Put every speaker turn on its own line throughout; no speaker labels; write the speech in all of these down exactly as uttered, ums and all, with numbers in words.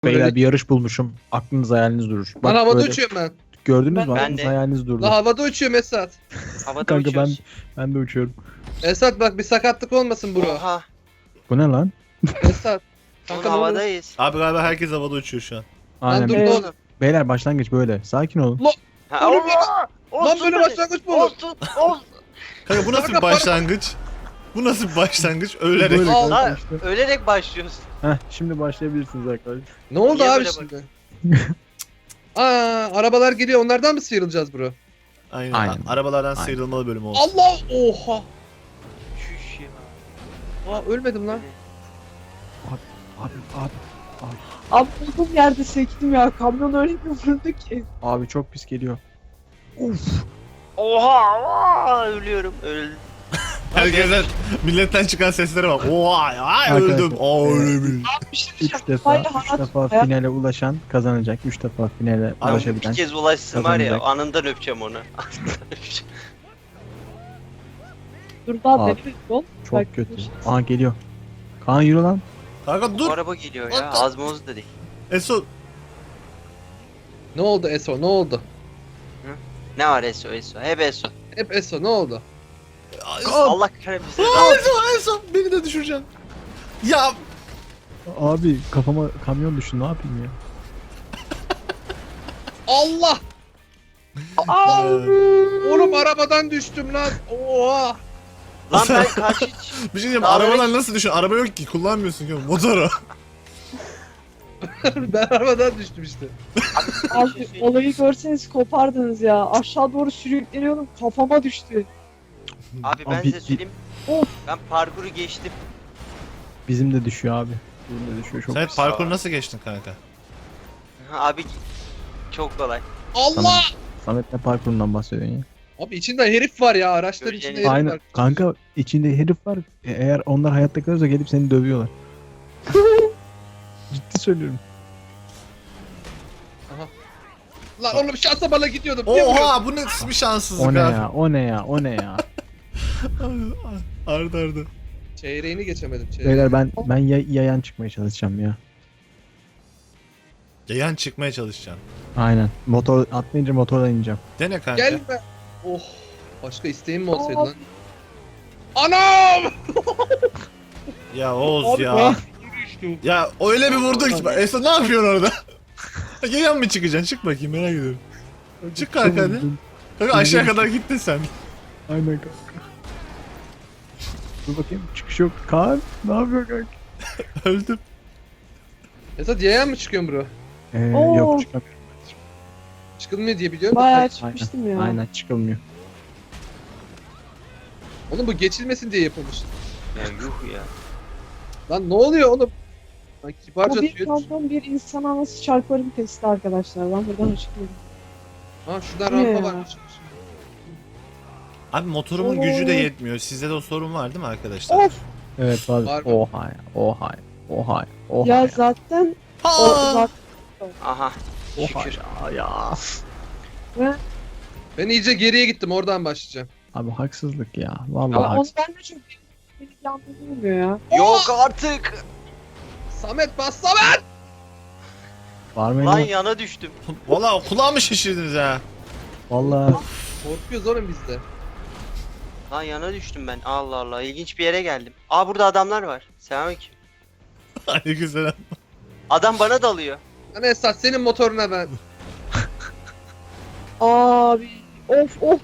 Beyler bir yarış bulmuşum. Aklınız hayaliniz durur.
Ben
Bak
havada
böyle-
uçuyorum ben.
Gördünüz mü?
Ben
Aklınız
de.
hayaliniz durdu.
La havada uçuyorum Esat.
Havada
Kanka ben
uçuyoruz.
ben de uçuyorum.
Esat bak bir sakatlık olmasın bro.
Oha.
Bu ne lan?
Esat.
Oğlum
Kanka ne oluyor?
havadayız.
Abi galiba herkes havada uçuyor şu an.
Aynen.
dur,
Be-
dur.
Oğlum.
Beyler başlangıç böyle. Sakin olun.
Ha,
Oğlum,
Allah!
Lan
Olsun
böyle
hadi.
başlangıç mı olur?
Olsun. Olsun.
Kanka bu nasıl bir
Kanka,
başlangıç? Bu nasıl bir başlangıç? Ölerek.
Böyle
Al.
kanka
Lan
işte.
ölerek başlıyoruz.
Heh, şimdi başlayabilirsiniz arkadaşlar.
Ne oldu
Niye
abi
böyle
şimdi? Aa arabalar geliyor onlardan mı sıyrılacağız bro?
Aynen.
Aynen.
Arabalardan
Aynen.
sıyrılmalı bölüm olsun.
Allah oha.
Şuş ya.
Aa ölmedim lan.
Abi abi
Abi olduğum yerde sektim ya. Kamyon öyle bir vurdu ki.
abi çok pis geliyor. Uf.
Oha, oha ölüyorum. Öldüm.
Herkesten milletten çıkan seslere bak. Oha ay
Arkadaşlar,
öldüm. Aa
evet.
ölebil.
Bir şey
Üç
diyeceğim.
defa,
Hayır,
üç
hayat-
defa
hayat-
finale ulaşan kazanacak. Üç defa finale
Abi
ulaşabilen.
bir kez ulaşsın var ya
kazanacak.
anından öpeceğim onu. Anından öpeceğim.
Dur daha
Abi,
denemek yol.
Çok
Belki
kötü.
ulaşırız.
Aa geliyor. Kaan yürü lan.
Kanka
Bu
dur.
araba geliyor ya.
What the-
Az moz da değil.
Eso.
Ne oldu Eso ne oldu?
Ne var Eso Eso? Hep Eso.
Hep Eso ne oldu?
Allah kahretmesin.
Aa, Eso Eso beni de düşüreceksin. Ya
Abi kafama kamyon düştü ne yapayım ya.
Allah!
Aa.
Oğlum arabadan düştüm lan. Oha!
Lan ben karşı
bir şey diyeyim
Daha
arabadan nasıl düşün? Araba yok ki kullanmıyorsun ki motoru.
Ben arabadan düştüm işte.
Abi olayı görseniz kopardınız ya. Aşağı doğru sürükleniyordum. Kafama düştü.
Abi ben
Abi,
size
bir-
söyleyeyim.
Of.
Ben parkuru geçtim.
Bizim de düşüyor abi. Bizim de düşüyor çok.
Sen
pis.
parkur nasıl geçtin kanka?
Abi çok kolay.
Allah!
Tamam. Samet ne parkurundan bahsediyorsun ya?
Abi içinde herif var ya araçların
Göreceğiniz-
içinde herif
Aynen.
var.
Kanka içinde herif var. E, Eğer onlar hayatta kalırsa gelip seni dövüyorlar. Ciddi söylüyorum.
Lan oğlum şansa bana gidiyordum. Niye vuruyorsun?
Oha bu ne bir şanssızlık
O ne
abi.
ya? O ne ya? O ne ya?
Arda arda.
Çeyreğini geçemedim. Çeyreğini.
Beyler ben ben ya- yayan çıkmaya çalışacağım ya.
Yayan çıkmaya çalışacaksın.
Aynen. Motor atlayınca motordan ineceğim.
Dene kanka.
Gel be. Oh. Başka isteğim mi olsaydı
Aa.
lan? Anam!
Ya Oğuz
Abi
ya.
ben-
Ya öyle bir vurdun ki. Esra ne yapıyorsun orada? Yayan mı çıkacaksın? Çık bakayım merak ediyorum. Çık kanka hadi. Kanka aşağı kadar gittin sen.
Aynen kanka. Dur bakayım çıkış yok. Kaan ne yapıyor kanka?
Öldüm.
Esat yayan mı çıkıyorsun bro?
Ee,
Oo.
yok çıkamıyorum.
Çıkılmıyor diye biliyorum da.
Bayağı çıkmıştım ya.
Aynen çıkılmıyor.
Oğlum bu geçilmesin diye yapılmış.
Ya yuh ya.
Lan ne oluyor oğlum? Lan kibarca
Bu bir
suya düş-
kamyon bir insana nasıl çarparım testi arkadaşlar. Ben buradan açıklıyorum.
Ha şuradan
Ne
rampa
ya?
varmış.
Abi motorumun
Oo.
gücü de yetmiyor. Sizde de o sorun var değil mi arkadaşlar?
Of
Evet var.
Var mı?
Oha ya. Oha ya. Oha ya. Oha
ya
ya.
zaten o
Ha!
zaten
Aha.
Oha
Şükür.
ya. ya.
ve
Ben iyice geriye gittim oradan başlayacağım.
Abi haksızlık ya. Vallahi
ama onu
haksızlık.
ben de çok beni yandırmıyor ya.
Yok artık.
Samet bas Samet!
Var mı?
Lan
eline?
yana düştüm.
Valla kulağımı şişirdiniz ha.
Vallahi
Korkuyoruz oğlum biz de.
Lan yana düştüm ben. Allah Allah. İlginç bir yere geldim. Aa burada adamlar var. Selamünaleyküm.
Aleykümselam.
Adam bana dalıyor.
Lan Esat senin motoruna ben.
Abi of of.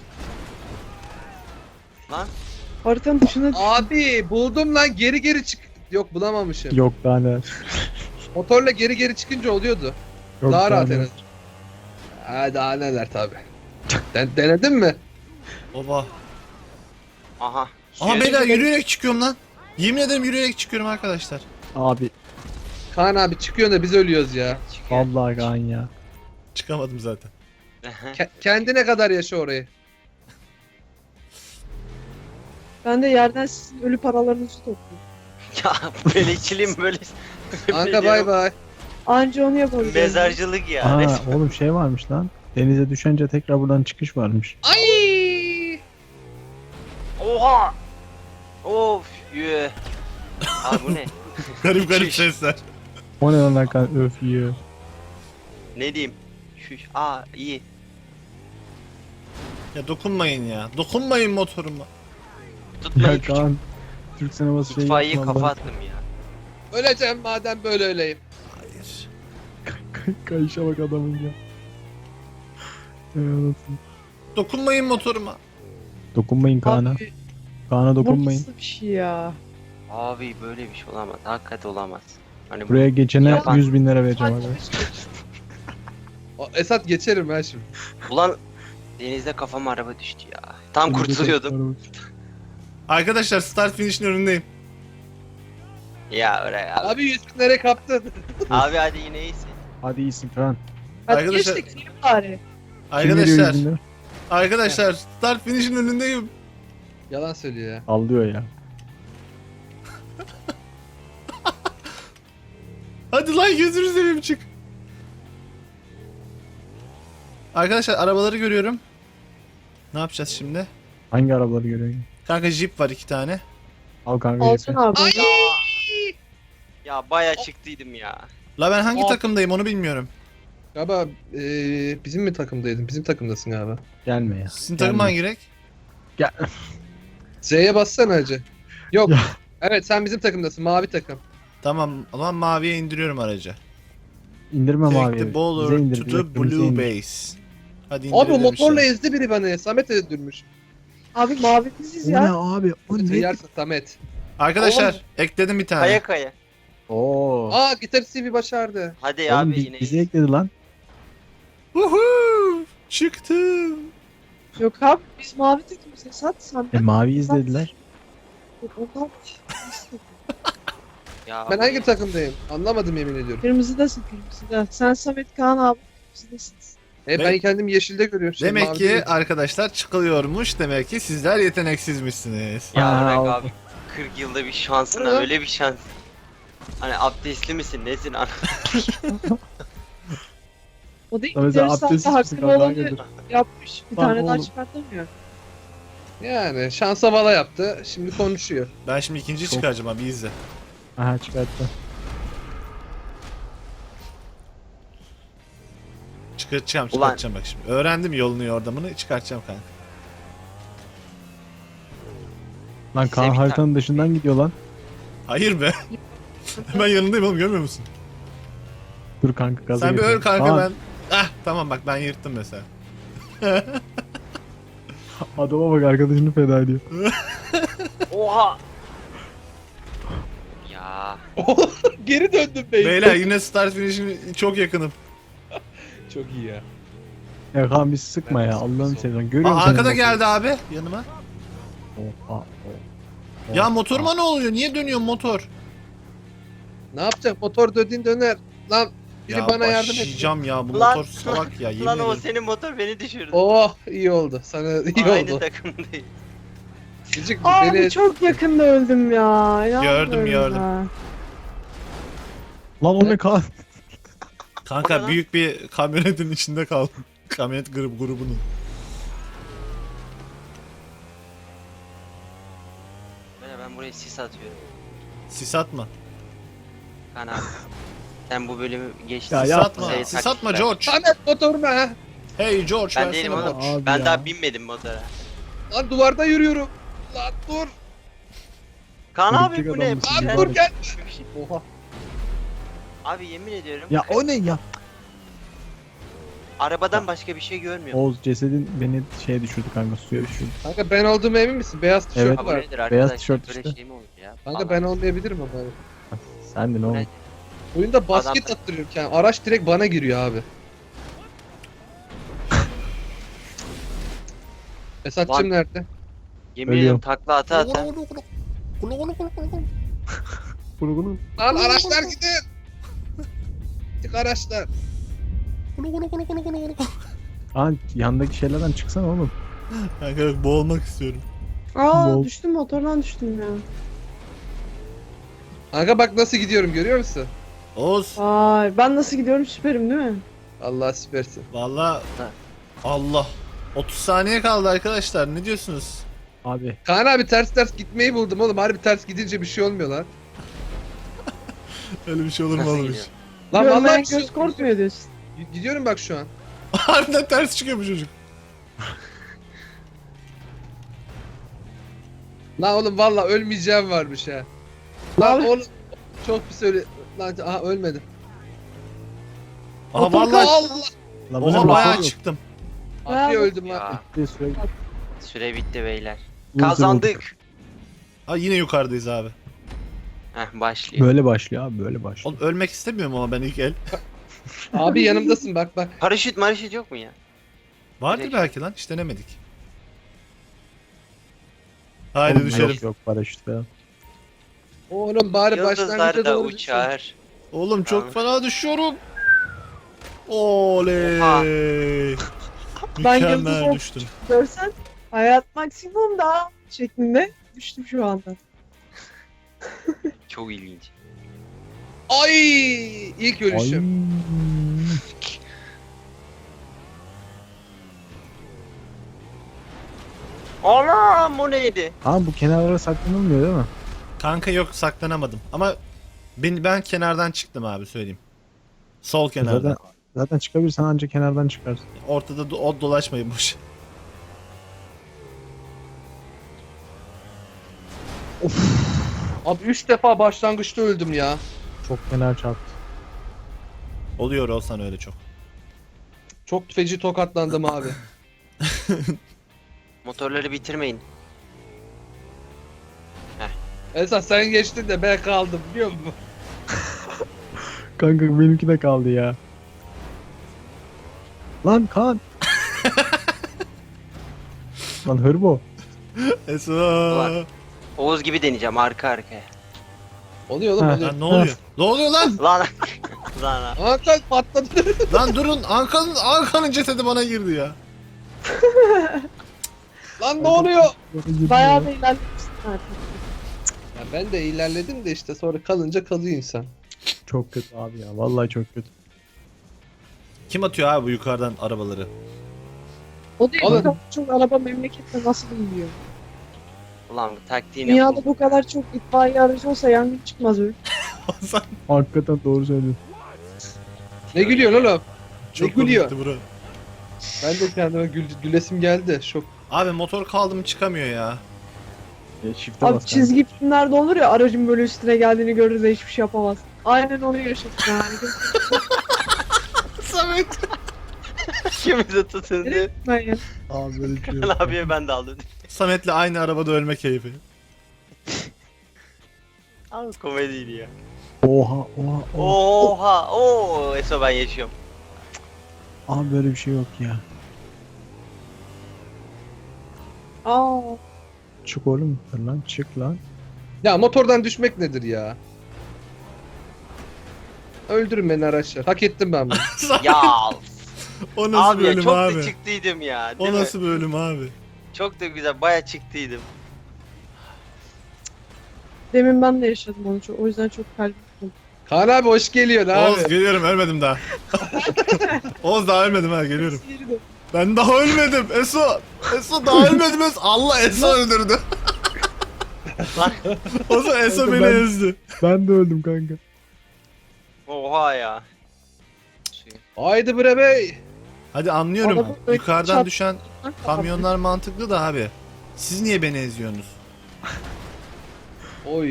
Lan.
Haritanın dışına düştüm.
Abi buldum lan geri geri çık. Yok bulamamışım.
yok daha ne.
Motorla geri geri çıkınca oluyordu.
Yok
daha rahat
ne.
en azından. Ha daha neler tabi. Den denedin mi?
Oba.
Aha.
Ama
Suya
beyler
düştüm.
yürüyerek çıkıyorum lan. Yemin ederim yürüyerek çıkıyorum arkadaşlar.
Abi
Kaan abi çıkıyorsun da biz ölüyoruz ya.
Çıkıyor.
vallahi Kaan ya.
Çıkamadım zaten.
Ke- kendine kadar yaşa orayı.
Ben de yerden sizin ölü paralarınızı topluyorum.
Ya böyle içileyim böyle.
Kanka bay bay.
Anca onu yapabildim.
Mezarcılık ya.
Aa
resmen.
oğlum şey varmış lan. Denize düşünce tekrar buradan çıkış varmış.
Ay!
Oha. Of. Yü. Abi bu ne?
Garip garip
Çüş.
sesler.
O ne lan kan öf yiyor.
Ne diyeyim? Şu, aa iyi.
Ya dokunmayın ya. Dokunmayın motoruma.
Tutmayın
Ya
küçük
Kaan. Türk sineması şey
itfaiye
yapma
kafa
lan.
attım ya.
Öleceğim madem böyle öleyim.
Hayır.
Kayışa bak adamın ya. Ey anasını.
Dokunmayın motoruma.
Dokunmayın Kaan'a.
Abi
Kaan'a
bu
dokunmayın.
nasıl bir şey ya?
Abi böyle bir şey olamaz. Hakikaten olamaz. Hani bu-
Buraya geçene
Yapan-
yüz bin lira vereceğim
Sadece
abi.
O, Esat geçerim ben şimdi.
Ulan denizde kafama araba düştü ya. Tam kurtuluyordum.
Arkadaşlar start finish'in önündeyim.
Ya oraya abi.
Abi yüz binlere kaptın.
Abi hadi yine iyisin.
Hadi iyisin Kaan.
Hadi
Arkadaşlar-
geçtik film bari.
Kim veriyor
Arkadaşlar.
yüz bin lira?
Arkadaşlar start finish'in önündeyim.
Yalan söylüyor ya.
Sallıyor ya.
Hadi lan gözünü seveyim çık. Arkadaşlar arabaları görüyorum. Ne yapacağız şimdi?
Hangi arabaları görüyorsun?
Kanka Jeep var iki tane.
Al kanka.
Alsın
jepi.
abi.
Ay!
Ya baya çıktıydım ya.
La ben hangi
Aa.
takımdayım onu bilmiyorum.
Galiba eee, bizim mi takımdaydın? Bizim takımdasın galiba.
Gelme ya.
Sizin takım
Gelme.
hangi renk?
Gel.
Z'ye bassana hacı. Yok.
Ya.
Evet sen bizim takımdasın. Mavi takım.
Tamam o zaman maviye indiriyorum aracı.
İndirmem
Take
abi.
the
Bize
baller
indir,
to
bize
the
kırmızıya
blue
indir.
base. Hadi
Abi o
indirelim
motorla
işte.
ezdi biri beni. Samet öldürmüş.
Abi mavi biziz
O
ya.
ne abi? O ne?
Yersin Samet.
Arkadaşlar
Oğlum.
ekledim bir tane.
Kaya kaya.
Oo.
Aa gitarist C V başardı.
Hadi
Oğlum
abi
bi-
yine
bizi
iyisin.
ekledi lan.
Woohoo! Çıktım.
Yok abi biz mavi takımız Esat sen
E mavi izlediler.
Ondan
Ya
Ben
abi,
hangi takımdayım? Anlamadım yemin ediyorum.
kırmızıdasın kırmızıda. Sen Samet Kaan abi kırmızıdasınız.
E ben
Demek-
kendimi yeşilde görüyorum. Şey,
Demek
mavi
ki
değil.
arkadaşlar çıkılıyormuş. Demek ki sizler yeteneksizmişsiniz.
Ya
Aa,
bırak
oldu.
abi. kırk yılda bir şansına
Hı.
öyle bir şans. Hani abdestli misin nesin?
O da ilk
Mesela
gitarist
abdestsiz
hatta
misin
hakkı
kanka?
olanı
Hayırdır?
yapmış. Bir
Lan
tane daha
oğlum.
çıkartamıyor.
Yani şansa vala yaptı. Şimdi konuşuyor.
Ben şimdi ikinciyi
Çok-
çıkaracağım abi izle.
Aha çıkarttı.
Çıkartacağım
Ulan.
çıkartacağım bak şimdi. Öğrendim yolunu yordamını çıkartacağım kanka.
Lan Kaan
Sevgi
haritanın dışından gidiyor lan.
Hayır be. Ben yanındayım oğlum görmüyor musun?
Dur kanka gaza
Sen bir
getiriyorum.
öl kanka
Kaan,
ben. Ah tamam bak ben yırttım mesela.
Adama bak arkadaşını feda ediyor.
Oha. Ya
Geri döndüm bey.
Beyler yine start finish'in çok yakınım.
Çok iyi ya.
Ya Kaan bir sıkma ya Allah'ını seversen. Görüyor
Aa,
musun?
arkada
senin
geldi abi yanıma.
motoru? Oha, oha.
Ya motoruma ne oluyor? Niye dönüyor motor?
Ne yapacak? Motor döndüğün döner. Lan biri
Ya
bana yardım et.
başlayacağım ya bu
Lan-
motor salak ya yemin
lan o
ederim.
senin motor beni düşürdü.
Oh iyi oldu. Sana iyi
Aynı
oldu.
takımdayız.
Gıcık
Abi
beni...
çok yakında öldüm ya. İnanmıyorum
Gördüm, gördüm.
ya.
Lan o ne Kaan?
O ne
Kanka
lan?
büyük bir kamyonetin içinde kaldım. Kamyonet grup grubunun.
Böyle ben buraya sis atıyorum.
Sis atma.
Kan abi. Sen bu bölümü geçtin.
Ya
Sis
yapma.
atma.
Şey,
Sis
taktik
atma
ver.
George.
Samet motoruna ha.
Hey George
Ben
versene
değilim
bana.
oğlum.
Abi
Ben
ya.
daha binmedim motora.
Lan duvarda yürüyorum. Lan dur.
Kaan abi
Örümcek
bu ne?
adam mısın?
Abi
Ben-
dur gel.
Bir şey-
Oha.
Abi yemin ediyorum.
Ya o ne ya?
Arabadan başka bir şey görmüyorum.
Oğuz cesedin beni şeye düşürdü kanka suya düşürdü.
Kanka ben olduğuma emin misin? Beyaz tişört
Evet.
Abi
var.
nedir arkadaşlar?
tişört
Böyle
işte.
şey mi olur ya?
Kanka
Falan.
ben olmayabilirim ama.
Sen de ne
Bu
oldu?
nedir?
Oyunda basket
Adam-
attırıyorken araç direkt bana giriyor abi. Esat'cım
Lan-
nerede?
Yemin
Ölüyorum.
ediyorum takla ata ata.
Kurgunun.
Lan araçlar gidin. Gittik araçlar.
Kaan yandaki şeylerden çıksana oğlum.
Kanka boğulmak istiyorum.
Aa
Bol.
düştüm motordan düştüm ya.
Kanka bak nasıl gidiyorum görüyor musun?
Oğuz.
Vay ben nasıl gidiyorum süperim değil mi?
Allah süpersin.
Valla. Allah. otuz saniye kaldı arkadaşlar. Ne diyorsunuz?
Abi
Kaan abi ters ters gitmeyi buldum oğlum. Harbi ters gidince bir şey olmuyor lan.
Öyle bir şey olur mu
Nasıl
oğlum hiç?
gidiyor?
Lan vallahi
Görmeyen
bir şey
göz
yok.
korkmuyor diyorsun.
Gidiyorum bak şu an.
Harbiden ters çıkıyor bu çocuk.
Lan oğlum valla ölmeyeceğim varmış ha. Lan
Abi.
oğlum çok bir söyle. Lan aha ölmedim.
Aha
Motor
vallahi.
Allah.
Lan
Oha
benim
bayağı
motor yok.
çıktım.
Abi öldüm
Ya
lan.
Bir süre-
süre bitti beyler.
Uzun
Kazandık.
Ha yine yukarıdayız abi.
Heh başlıyor.
Böyle başlıyor abi böyle başlıyor.
Oğlum ölmek istemiyorum ama ben ilk el.
Abi yanımdasın bak bak.
Paraşüt maraşüt yok mu ya?
Vardır
Direkt.
belki lan hiç denemedik. Haydi
Oğlum,
düşelim.
Yok yok paraşüt falan.
Oğlum bari
Yıldızlar
başlangıca
da
doğru düşün.
uçar.
Oğlum çok
Tamam.
fena düşüyorum. Oley.
Oha.
Ben yıldız
Mükemmel
oldum.
düştüm.
Görsen hayat maksimum da şeklinde düştüm şu anda.
Çok ilginç.
Ay ilk
Ay.
ölüşüm.
Anam o neydi?
Abi bu kenarlara saklanılmıyor değil mi?
Kanka yok saklanamadım ama ben, ben kenardan çıktım abi söyleyeyim. Sol kenardan.
Zaten, zaten çıkabilirsen ancak kenardan çıkarsın.
Ortada do- o dolaşmayın boş.
Abi üç defa başlangıçta öldüm ya.
Çok kenar çarptı.
Oluyor olsan öyle çok.
Çok feci tokatlandım abi.
Motorları bitirmeyin.
Esas sen geçtin de ben kaldım biliyor musun?
Kanka benimki de kaldı ya. Lan Kaan. Lan hırbo.
Eso.
Ulan. Oğuz gibi deneyeceğim arka arkaya.
Oluyor oğlum
Ha.
oluyor.
Lan ne oluyor? Ne oluyor lan?
Lan. Lan.
Hakan patladı.
Lan durun Ankan'ın Ankan'ın cesedi bana girdi ya.
Lan ne oluyor?
Bayağı da ilerlemişsin artık.
Ya ben de ilerledim de işte sonra kalınca kalıyor insan.
Çok kötü abi ya. Vallahi çok kötü.
Kim atıyor abi bu yukarıdan arabaları?
O değil
Oğlum.
bu kadar çok araba memlekette nasıl bilmiyor.
Ulan bu taktiğini
Dünyada
yapalım.
bu kadar çok itfaiye aracı olsa yangın çıkmaz öyle.
Hasan
Hakikaten doğru söylüyorsun.
Ne gülüyorsun oğlum?
çok
gülüyor?
komikti bura.
Ben de kendime gül, gülesim geldi. Şok.
Abi motor kaldı mı çıkamıyor ya.
E, shift'e
Abi
bas kanka.
çizgi filmlerde olur ya aracın böyle üstüne geldiğini görür de hiçbir şey yapamaz. Aynen onu yaşadım yani.
Samet.
İkimizi tutundu.
Ben ya.
Abi böyle bir şey
Kan
yok.
abiye ben de aldım.
Samet'le aynı arabada ölme keyfi.
Abi komediydi ya.
Oha oha oha.
Oha. Oo. Eso ben yaşıyorum.
Abi böyle bir şey yok ya.
Aa,
Çık oğlum. Dur lan çık lan.
Ya motordan düşmek nedir ya? Öldürün beni araçlar. Hak ettim ben bunu.
Ya.
O nasıl
Abi
bir
ya
ölüm
çok
abi?
da çıktıydım ya. Değil
O
mi?
nasıl bir ölüm abi?
Çok da güzel. Baya çıktıydım.
demin ben de yaşadım onu çok. O yüzden çok kalbim kırıldı.
Kaan abi hoş geliyorsun
Oğuz
abi.
geliyorum ölmedim daha. Oğuz daha ölmedim ha geliyorum.
Geri dön.
Ben daha ölmedim Eso. Eso daha ölmedim Eso. Allah Eso öldürdü.
Lan.
O zaman Eso
Kanka
beni
ben-
ezdi.
Ben de öldüm kanka.
Oha ya.
Haydi bre bey.
Hadi anlıyorum.
Adamın böyle
Yukarıdan
çat-
düşen kamyonlar mantıklı da abi. Siz niye beni eziyorsunuz?
Oy.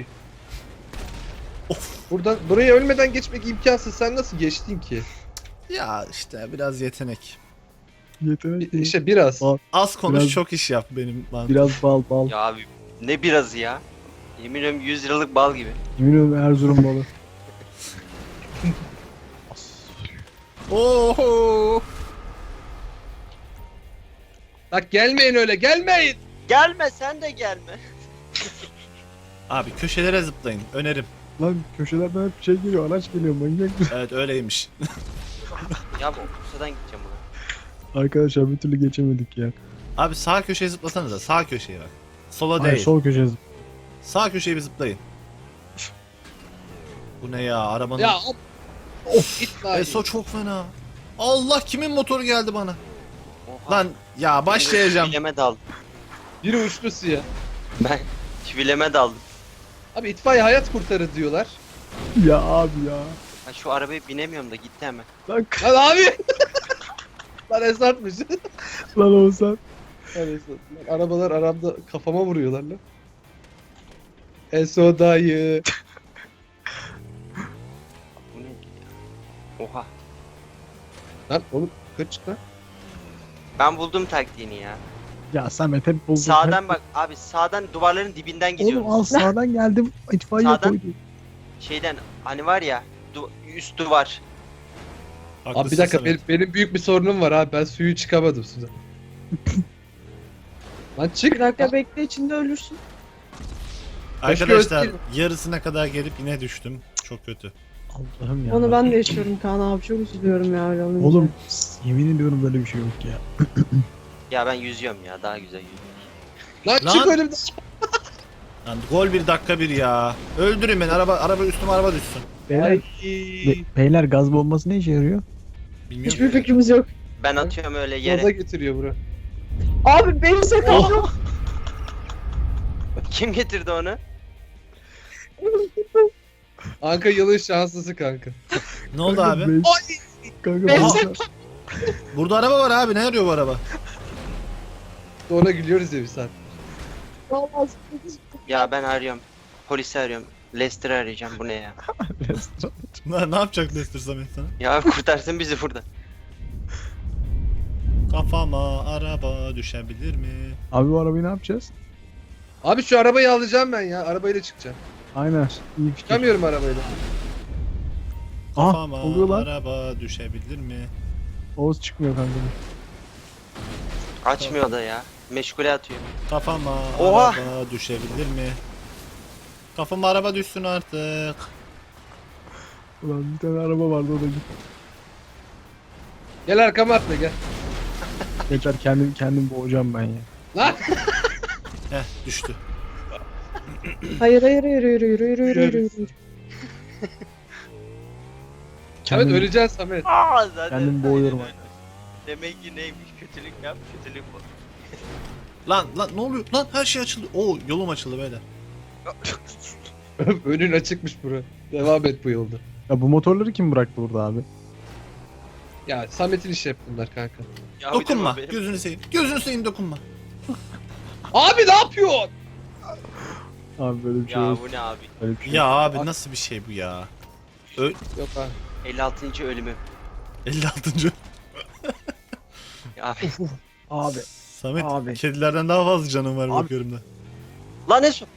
Buradan buraya ölmeden geçmek imkansız. Sen nasıl geçtin ki?
Ya işte biraz yetenek.
Yetenek
Bir-
değil.
İşte biraz.
Aa.
Az konuş
Biraz-
çok iş yap benim mantığım.
Biraz bal bal.
Ya abi ne birazı ya. Yemin ediyorum yüz liralık bal gibi.
Yemin ederim Erzurum balı.
Oho.
Bak gelmeyin öyle gelmeyin.
Gelme sen de gelme.
Abi köşelere zıplayın önerim.
Lan köşelerden hep şey geliyor, araç geliyor manyak mısın?
Evet öyleymiş.
Ya bu Bursa'dan gideceğim buna.
Arkadaşlar bir türlü geçemedik ya.
Abi sağ köşeye zıplasanıza sağ köşeye bak. Sola
Hayır
değil.
sol köşeye zıp.
Sağ köşeye bir zıplayın. Bu ne ya arabanın.
Ya of. Of git lan.
Eso çok fena. Allah kimin motoru geldi bana?
Oha.
Lan ya başlayacağım.
Çivileme daldım.
Biri uçtu suya.
Ben çivileme daldım.
Abi itfaiye hayat kurtarır diyorlar.
Ya abi ya.
Ha, şu arabaya binemiyorum da gitti hemen.
Lan,
Lan abi. Lan Esat'mış.
lan Oğuzhan.
Lan Esat. Lan arabalar aramda kafama vuruyorlar lan. Eso dayı.
Bu ne? Oha.
Lan oğlum kaç lan.
Ben buldum taktiğini ya.
Ya Samet hep buldun.
Sağdan
hep...
bak abi, sağdan duvarların dibinden
Oğlum
gidiyoruz.
al sağdan geldim. İtfaiye
Sağdan.
koydu.
Şeyden hani var ya, du üst duvar.
Abi bir dakika benim, benim büyük bir sorunum var abi. Ben suyu çıkamadım sudan. Lan çık.
Bir dakika bekle, içinde ölürsün.
Arkadaşlar
Başka
yarısına kadar gelip yine düştüm. Çok kötü.
Allah'ım ya.
Onu ben de yaşıyorum Kaan abi, çok üzülüyorum ya öyle olunca.
Oğlum yemin ediyorum böyle bir şey yok ya.
Ya ben yüzüyorum ya, daha güzel yüzüyorum.
Lan,
Lan.
çık önümden.
Lan gol bir dakika bir ya. Öldürün beni, araba araba üstüme araba düşsün.
Beyler,
Ay.
be- beyler gaz bombası ne işe yarıyor?
Bilmiyorum.
Hiçbir fikrimiz yok.
Ben atıyorum öyle
Gaza
yere.
getiriyor bura.
Abi benim sakalım.
Kim getirdi onu?
Anka yılın şanslısı kanka.
Ne oldu abi?
Beş- Kanka
Benim
beş-
sakalım.
Burada araba var abi, ne arıyor bu araba?
Ona gülüyoruz ya bir saat.
Vallahi
Ya ben arıyorum. Polisi arıyorum. Lester'ı arayacağım, bu ne ya?
Ne, ne yapacak Lester Samet sana?
Ya kurtarsın bizi burada.
Kafama araba düşebilir mi?
Abi bu arabayı ne yapacağız?
Abi şu arabayı alacağım ben ya. Arabayla çıkacağım.
Aynen. İyi fikir.
Çıkamıyorum arabayla.
Ah
Kafama
oluyor lan.
araba düşebilir mi?
Oğuz çıkmıyor kanka.
Açmıyor da ya. Meşgule atıyor.
Kafama
Oha!
araba düşebilir mi? Kafama araba düşsün artık.
Ulan bir tane araba vardı o da gitti.
Gel arkama atla gel.
Yeter kendim kendim boğacağım ben ya.
Lan.
Heh düştü.
Hayır hayır hayır yürü yürü yürü yürü yürü yürü.
Samet
Kendim-
öleceksin Samet.
Aa, zaten
Kendim boğuyorum
aynen öyle. Demek ki neymiş, kötülük yap, kötülük bu.
Lan lan ne oluyor? Lan her şey açıldı. Oo yolum açıldı beyler.
Önün açıkmış bura. Devam et bu yolda.
Ya bu motorları kim bıraktı burada abi?
Ya Samet'in işi hep bunlar kanka.
Ya bir de
Dokunma.
bu benim-
Gözünü seveyim. Gözünü seveyim dokunma.
Abi ne yapıyorsun?
Abi böyle bir şey
Ya
yok.
bu ne abi?
Böyle bir şey
Ya
yok.
abi nasıl bir şey bu ya?
Yok abi.
elli altıncı ölümü.
elli altıncı.
Ya abi.
Abi.
Samet
Abi.
kedilerden daha fazla canım var
Abi.
bakıyorum da.
Lan Esu.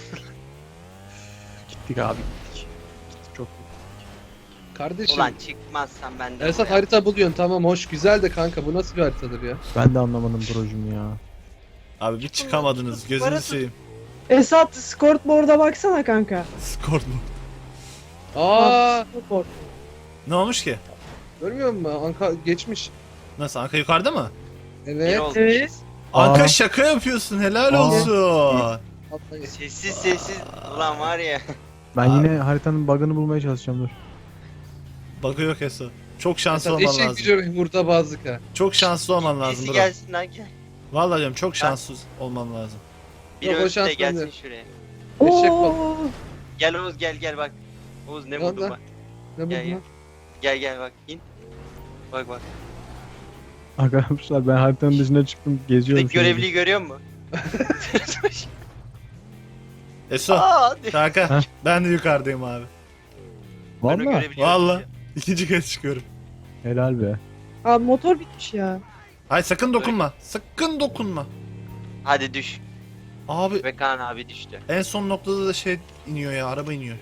Gittik abi gittik. Çok
Kardeşim.
Ulan çıkmazsan ben de.
Esat
buraya-
harita buluyorsun tamam hoş güzel de kanka bu nasıl bir haritadır ya?
ben de anlamadım brocum ya.
Abi bir çıkamadınız. Gözünü
Parası-
seveyim.
Esat scoreboard'a baksana kanka.
Skor mu?
Aa,
Scoreboard.
Ne olmuş ki?
görmüyor musun? Anka geçmiş.
Nasıl? Anka yukarıda mı?
Bir
Evet.
olmuş.
Evet.
Anka
Aa.
şaka yapıyorsun. Helal
Aa.
olsun.
Atlayın.
Sessiz sessiz. Ulan var ya.
Ben
Abi.
yine haritanın bug'ını bulmaya çalışacağım dur.
Bakıyor Eso. Çok şanslı
Esat
olman
eşek
lazım.
gücü burada bazlık ha.
Çok şanslı olman lazım
Birisi
bro.
gelsin lan gel.
Vallahi diyorum çok şanssız olman lazım.
Biri
Yok, o
ölsün de
şans
gelsin
bende.
şuraya.
Eşek
Oo.
Gel Oğuz gel gel bak. Oğuz ne
Ne
buldun
oldu?
bak.
Ne bu
Gel, gel.
lan?
Gel gel bak in. Bak bak.
Arkadaşlar ben haritanın dışına çıktım geziyorum.
Buradaki görevliyi görüyor musun?
Eso.
Aa,
Kanka
Heh.
ben de yukarıdayım abi.
ben o
Valla
görebiliyorum
Vallahi.
ya.
İkinci kez çıkıyorum.
helal be.
Abi motor bitmiş ya.
Hayır sakın dokunma. Sakın dokunma.
Hadi düş.
Abi
Ve Kaan abi düştü.
en son noktada da şey iniyor ya, araba iniyor.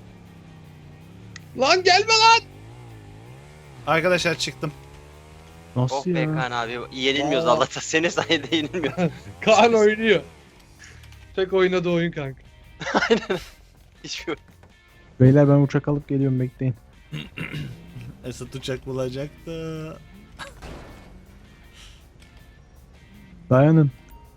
Lan gelme lan.
Arkadaşlar çıktım.
Nasıl
Oh be
ya?
Kaan abi. Yenilmiyoruz
Aa.
Allah'ta. Senin sayede yenilmiyoruz.
Kaan oynuyor. Tek oynadığı oyun kanka.
Aynen. Hiçbir
Beyler ben uçak alıp geliyorum bekleyin.
Esat uçak bulacaktı.
Dayanın.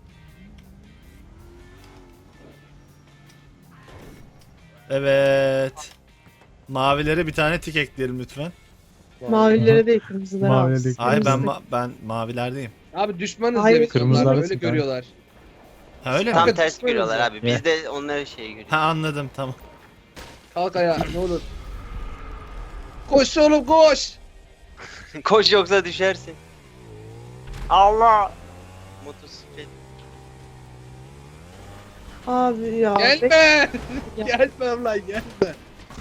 Evet. Mavilere bir tane tik ekleyelim lütfen.
Mavilere değil, kırmızılara
Mavilere
al.
değil.
Hayır ben
Kırmızı-
ma- ben mavilerdeyim.
Abi düşmanız
Hayır.
ya biz
Kırmızılar
onlarla
da
öyle
sıkma.
görüyorlar.
Ha öyle mi?
Tam
Kanka,
ters
düşmanız
görüyorlar
ya.
abi. Biz de onları şey görüyoruz.
Ha anladım tamam.
Kalk ayağa ne olur. Koş oğlum koş.
Koş yoksa düşersin. Allah. Motosiklet.
Abi ya.
Gelme.
Ya.
Gelme lan gelme.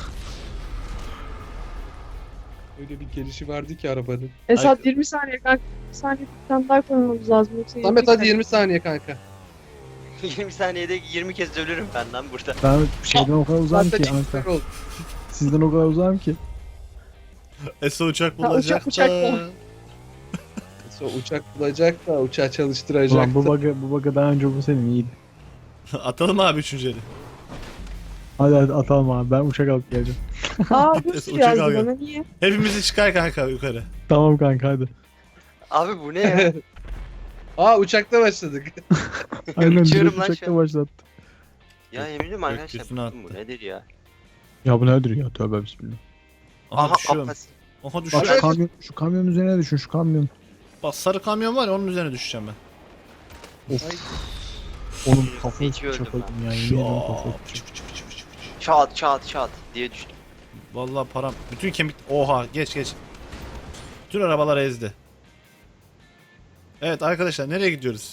Öyle bir gelişi vardı ki arabanın.
Esat yirmi saniye kanka. yirmi saniye bir tane daha koymamız lazım. Yoksa
Samet hadi yirmi saniye kanka.
yirmi saniyede yirmi kez ölürüm ben lan burada.
Ben şeyden o kadar uzağım
Zaten
ki
çiftler
Anka.
oldu.
Sizden o kadar uzağım ki.
Eso uçak
Ha,
bulacak
uçak- uçak
da.
mı?
Sonra uçak bulacak da uçağı çalıştıracak
Ulan bu
da.
bug'ı bu bug'ı daha önce bu senin iyiydi.
Atalım abi üçüncü eli.
Hadi hadi atalım abi, ben uçak alıp geleceğim.
Aa bir
Uçak
sürü yazdı
al gel.
bana niye?
Hepimizi çıkar kanka yukarı.
Tamam kanka hadi.
Abi bu ne ya?
Aa uçakta başladık.
Aynen
Uçuyorum
direkt
lan şu
uçakta
an.
başlattı.
Ya eminim arkadaşlar
Gökyüzüne
bıktım, bu nedir ya?
Ya bu nedir ya, tövbe bismillah.
Aha,
Aha
düşüyorum.
Abbas.
Aha
Bak
düşüyorum.
şu kamyon, şu kamyonun üzerine düşün, şu kamyon.
Bak sarı kamyon var ya onun üzerine düşeceğim ben.
Of. Oğlum kafayı
Hiç öldüm
çapadım ya, yemin ederim kafayı
Şap, çık, çık, çık, çık, çık.
Çat çat çat diye düştüm.
Vallahi param. Bütün kemik... Oha geç geç. Bütün arabalar ezdi. Evet arkadaşlar nereye gidiyoruz?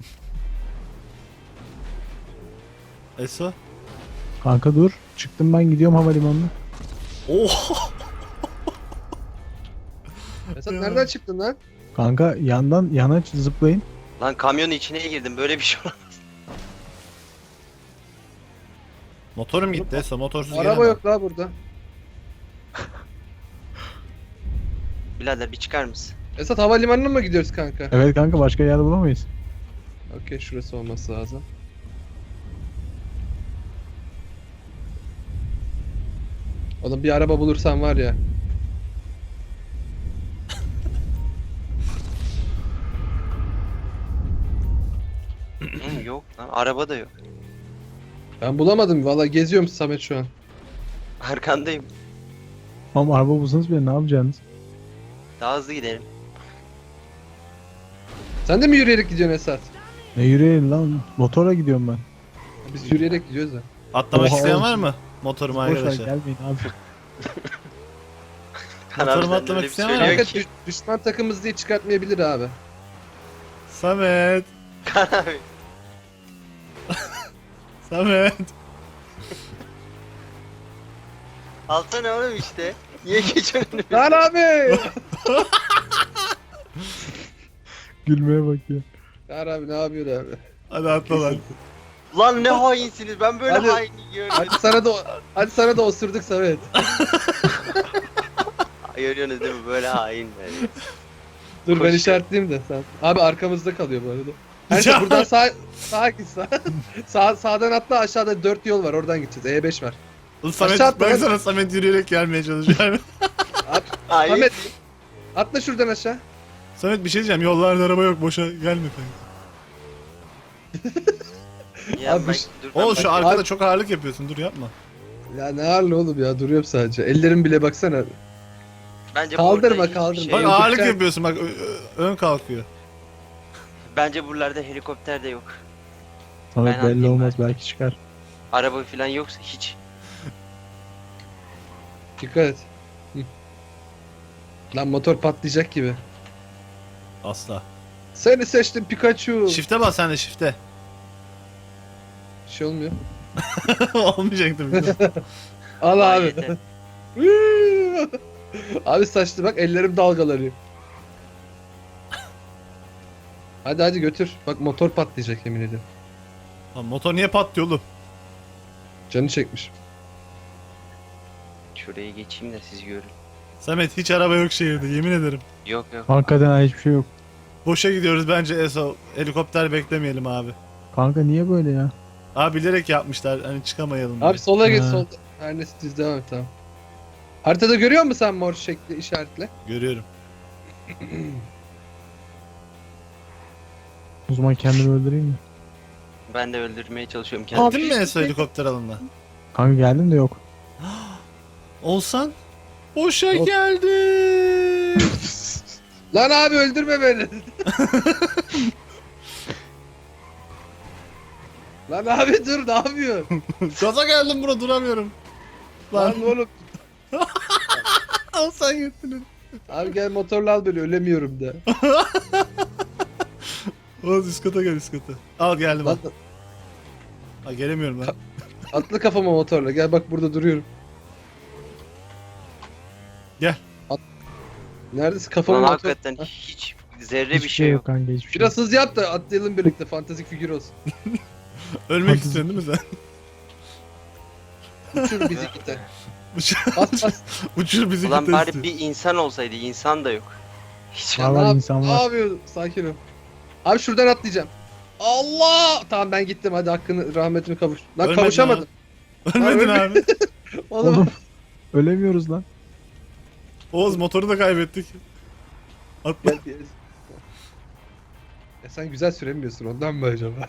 Eso?
Kanka dur, çıktım ben, gidiyorum havalimanına.
Oha!
Esat
Ya.
nereden çıktın lan?
Kanka yandan yana zıplayın.
Lan kamyonun içine girdim böyle bir şey olamaz.
Motorum gitti Eso motorsuz
Araba
gelemem.
yok la burada.
Birader bir çıkar mısın?
Esat havalimanına mı gidiyoruz kanka?
Evet kanka, başka yer bulamayız.
Okey şurası olması lazım. Oğlum bir araba bulursan var ya.
Hı, yok lan araba da yok.
Ben bulamadım valla, geziyorum Samet şu an.
Arkandayım.
Ama araba bulsanız bile ne yapacaksınız?
Daha hızlı gidelim.
Sen de mi yürüyerek gidiyorsun Esat?
Ne yürüyelim lan, motora gidiyorum ben.
Biz yürüyerek gidiyoruz da.
Atlamak
Oha,
isteyen
oğlum.
var mı? Motoruma
Boş ver,
arkadaşlar.
gelmeyin abi.
Kan abi
Motorumu
sen de
atlamak
öyle bir
isteyen var mı?
söylüyor
Kanka
ki.
düş- düşman takımız diye çıkartmayabilir abi.
Samet!
Kan abi.
Samet!
Alsana oğlum işte. Niye geçiyorsun önüme?
Lan abi!
Gülmeye bak ya.
Lan abi ne yapıyorsun abi?
Hadi atla lan.
Lan ne hainsiniz ben böyle
Hadi.
hain görmedim.
Hadi sana da hadi sana da osurduk Samet.
Görüyorsunuz değil mi böyle hainler.
Dur ben
Koşuyor.
işaretleyeyim de sen. Abi arkamızda kalıyor bu arada. Her
Ya.
şey buradan sağ sağa git sağ. sağ sağdan atla, aşağıda dört yol var, oradan gideceğiz. E beş var.
Oğlum Samet,
Aşağı atla
ben
lan.
sana Samet yürüyerek gelmeye çalışıyorum.
Hain.
Samet atla şuradan aşağı.
Samet bir şey diyeceğim yollarda araba yok boşa gelme kanka.
Ya
Abi
ben-
şu-
dur ben
Oo şu
bakayım.
arkada çok ağırlık yapıyorsun dur yapma.
Ya ne ağırlı oğlum ya, duruyorum sadece. Ellerim bile baksana.
Bence
Kaldırma,
burada hiçbir
kaldırma.
şey
Bak
yok.
ağırlık
Yürüyeceksin.
yapıyorsun bak ö- ö- ön kalkıyor.
Bence buralarda helikopter de yok.
Samet
Ben
belli
anlayayım
olmaz,
ben.
belki çıkar.
Araba falan yoksa hiç.
Dikkat et. Hı. Lan motor patlayacak gibi.
Asla.
Seni seçtim Pikachu.
Shift'e bas sen de shift'e.
Bir şey olmuyor.
Olmayacak tabii. ki.
Al
Vay
abi.
yeter.
Abi saçtı bak, ellerim dalgalanıyor. Hadi hadi götür. Bak motor patlayacak yemin ederim.
Lan motor niye patlıyor oğlum?
Canı çekmiş.
Şuraya geçeyim de siz görün.
Samet hiç araba yok şehirde yemin ederim.
Yok yok.
Hakikaten ha, hiçbir şey yok.
Boşa gidiyoruz bence Eso. Helikopter beklemeyelim abi.
Kanka niye böyle ya?
Abi bilerek yapmışlar hani çıkamayalım diye.
Abi sola geç
Ha.
solda. Her neyse düz devam et, tamam. Haritada görüyor musun sen mor şekli işaretle?
Görüyorum.
O zaman kendimi öldüreyim mi?
Ben de öldürmeye çalışıyorum kendimi.
Gittin mi Eso helikopter alanına?
Kanka geldim de yok.
Olsan? Boşa
Yok.
geldi.
Lan abi öldürme beni. Lan abi dur, ne yapıyorsun?
Gaza geldim buna duramıyorum. Lan
Lan oğlum.
al sen gittin.
Abi gel motorla al beni ölemiyorum da.
Oğuz üst kata gel üst kata. Al geldim
Lan,
al. Ha, gelemiyorum lan.
atla kafama motorla gel bak burada duruyorum.
Gel.
At. Neredesin kafama
Lan
motor?
hakikaten
Ha,
hiç zerre
Hiçbir
bir şey yok.
kanka hiçbir şey.
Biraz hız yap da atlayalım birlikte fantastik figür olsun.
Ölmek
Hadi.
istiyorsun değil mi sen?
Uçur bizi gitten.
Uçur,
Bas bas.
uçur bizi
Ulan
git
bari
istiyor.
bir insan olsaydı, insan da yok. Hiç
Var
Ne
var
yap-
insan
Ne
var.
yapıyorsun? Sakin ol. Abi şuradan atlayacağım. Allah! Tamam ben gittim hadi hakkını rahmetini kavuş. Lan
Ölmedin
kavuşamadım.
Ölmedin
Lan
abi.
Oğlum.
Oğlum ölemiyoruz lan.
Oğuz motoru da kaybettik. Atla.
Gel bir- Ya sen güzel süremiyorsun ondan mı acaba?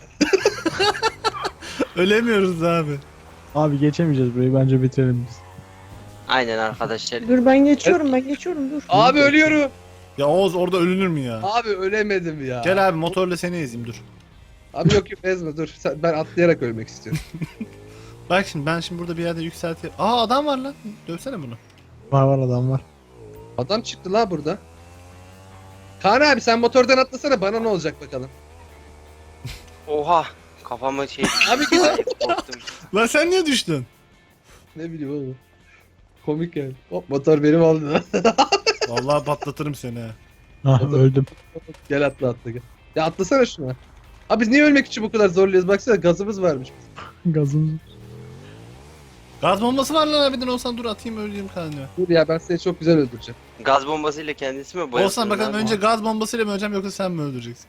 Ölemiyoruz abi.
Abi geçemeyeceğiz burayı bence bitirelim biz.
Aynen arkadaşlar.
Dur ben geçiyorum ben geçiyorum dur.
Abi ölüyorum.
Ya Oğuz orada ölünür mü ya?
Abi ölemedim ya.
Gel abi motorla seni ezeyim dur.
Abi yok yok ezme dur. Sen, ben atlayarak ölmek istiyorum.
Bak şimdi ben şimdi burada bir yerde yükselteyim. Aa adam var lan. Dövsene bunu.
Var var adam var.
Adam çıktı la burada. Kaan abi sen motordan atlasana bana ne olacak bakalım.
Oha. Kafama şey düştü.
Abi git.
Korktum.
Lan sen niye düştün?
Ne bileyim oğlum. Komik yani. Hop motor benim oldu lan.
Vallahi patlatırım seni ha.
Ah
O da-
öldüm.
Gel atla atla gel. Ya atlasana şuna. Abi biz niye ölmek için bu kadar zorluyoruz? Baksana gazımız varmış.
Gazımız.
Gaz bombası var lan abiden olsan dur atayım öleyim kanka.
Dur ya ben seni çok güzel öldüreceğim.
Gaz bombasıyla kendisi mi boyasın?
Olsan bakalım önce gaz bombasıyla mı öleceğim yoksa sen mi öldüreceksin?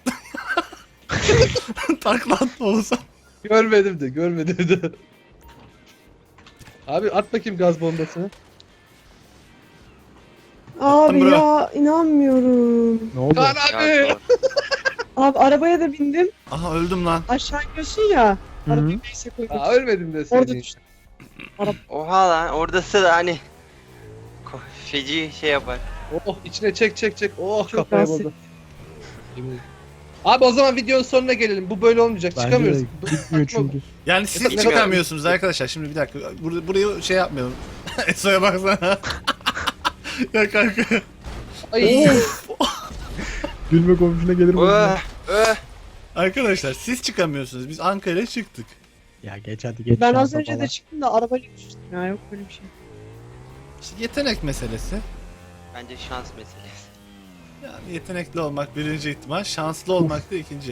Takla atma olsan.
Görmedim de görmedim de. Abi at bakayım gaz bombasını.
Abi
bro.
ya inanmıyorum.
Ne oldu?
Kaan abi.
Abi arabaya da bindim.
Aha öldüm lan.
Aşağı iniyorsun ya.
Hı hı.
Arabayı neyse koydum.
Aa, ölmedim de
Orada
seni.
düştüm.
Oha lan oradası da hani ko- feci şey yapar.
Oh içine çek çek çek. Oh
Çok
kafaya
rahatsız.
vurdu. Abi o zaman videonun sonuna gelelim. Bu böyle olmayacak.
Bence
Çıkamıyoruz.
de gitmiyor çünkü.
Yani siz
Bilmiyorum.
çıkamıyorsunuz arkadaşlar. Şimdi bir dakika. Burada burayı şey yapmayalım. Eso'ya baksana. Ya kanka.
Ay.
Gülme komşuna gelir mi?
Öh, öh.
Arkadaşlar siz çıkamıyorsunuz. Biz Ankara'ya çıktık.
Ya geç hadi geç.
Ben az
şansa
önce
falan.
de çıktım da arabayla düştüm ya yok böyle bir şey.
İşte yetenek meselesi.
Bence şans meselesi.
Yani yetenekli olmak birinci ihtimal. Şanslı olmak da ikinci.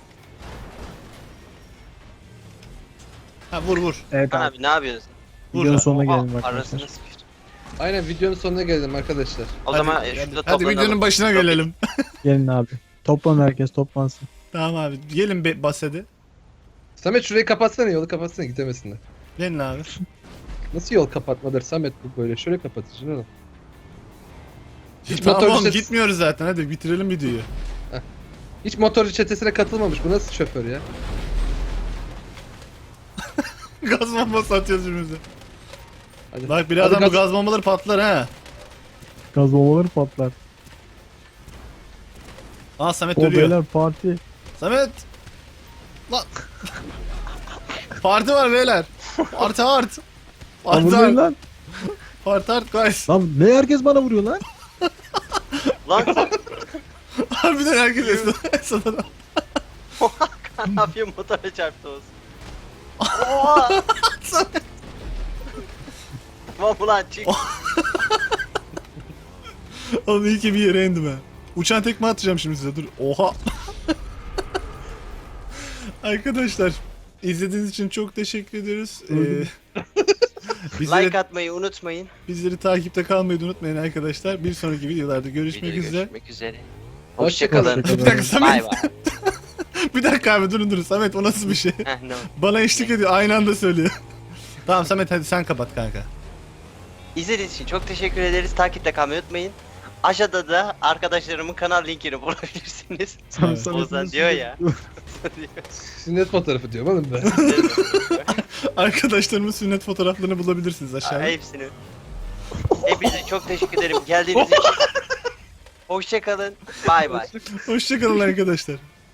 Ha vur vur.
Evet
Kaan
abi.
abi ne yapıyorsun?
Vur.
Videonun sonuna
Oha,
gelelim
arasını
arkadaşlar.
sıkıştım.
Aynen videonun sonuna gelelim arkadaşlar.
O
Hadi,
zaman
hadi,
e, şurada
hadi
toplanalım.
videonun başına gelelim.
Gelin abi. Toplan herkes toplansın.
Tamam abi. Gelin be basede.
Samet şurayı kapatsana yolu kapatsana gidemesinler.
Gelin abi.
Nasıl yol kapatmadır Samet bu böyle? Şöyle kapatacaksın oğlum. Hiç
Tamam
motorcu
oğlum
çetesi,
gitmiyoruz zaten. Hadi bitirelim videoyu.
hiç motorcu çetesine katılmamış. Bu nasıl şoför ya?
Gaz bombası atıyoruz birbirimize.
Hadi.
Bak birazdan
Hadi
bu
gaz-
gaz bombaları patlar ha.
Gaz bombaları patlar.
Aa Samet
O
ölüyor.
beyler parti.
Samet. Lan. Parti var beyler. Parti art.
Lan
Parti
vurmayın
art.
lan.
Parti art guys.
Lan ne herkes bana vuruyor lan?
Lan
Harbiden herkes Esra- Esra'dan.
Kaan abiye motora çarptı olsun. Oha. Tamam ulan çık.
Oğlum iyi ki bir yere indim ha. Uçan tekme atacağım şimdi size dur. Oha. Arkadaşlar izlediğiniz için çok teşekkür ediyoruz. Ee, bizleri,
Like atmayı unutmayın.
bizleri takipte kalmayı da unutmayın arkadaşlar. Bir sonraki videolarda görüşmek
Videoda
üzere.
Görüşmek üzere.
Hoşçakalın.
Hoşçakalın.
Bir dakika Samet.
Bay bay.
Bir dakika abi durun durun. Samet o nasıl bir şey?
Heh, ne oldu?
Bana eşlik ediyor. Aynı anda söylüyor. Tamam Samet hadi sen kapat kanka.
İzlediğiniz için çok teşekkür ederiz. Takipte kalmayı unutmayın. Aşağıda da arkadaşlarımın kanal linkini bulabilirsiniz.
Evet.
Ozan diyor ya.
Sünnet fotoğrafı diyorum oğlum ben.
Arkadaşlarımın sünnet fotoğraflarını bulabilirsiniz aşağıda.
Hepsini. Hepinize çok teşekkür ederim geldiğiniz için. Hoşçakalın. Bay bay.
Hoşçakalın arkadaşlar.